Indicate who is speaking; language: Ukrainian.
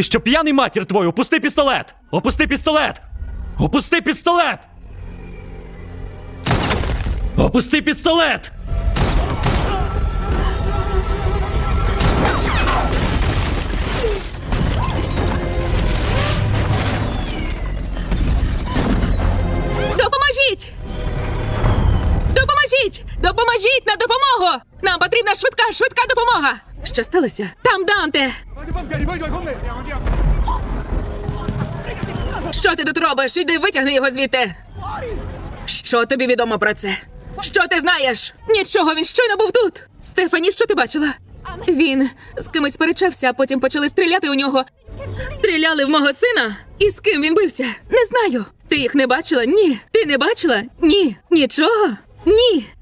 Speaker 1: Ти що, п'яний, матір твою? Опусти пістолет! Опусти пістолет! Опусти пістолет! Опусти пістолет!
Speaker 2: Допоможіть! Допоможіть! Допоможіть на допомогу! Нам потрібна швидка допомога! Що сталося? Там Данте! Що ти тут робиш? Іди витягни його звідти! Що тобі відомо про це? Що ти знаєш? Нічого, він щойно був тут! Стефані, що ти бачила? Він з кимось сперечався, а потім почали стріляти у нього. Стріляли в мого сина? І з ким він бився? Не знаю. Ти їх не бачила? Ні. Ти не бачила? Ні. Нічого? Ні.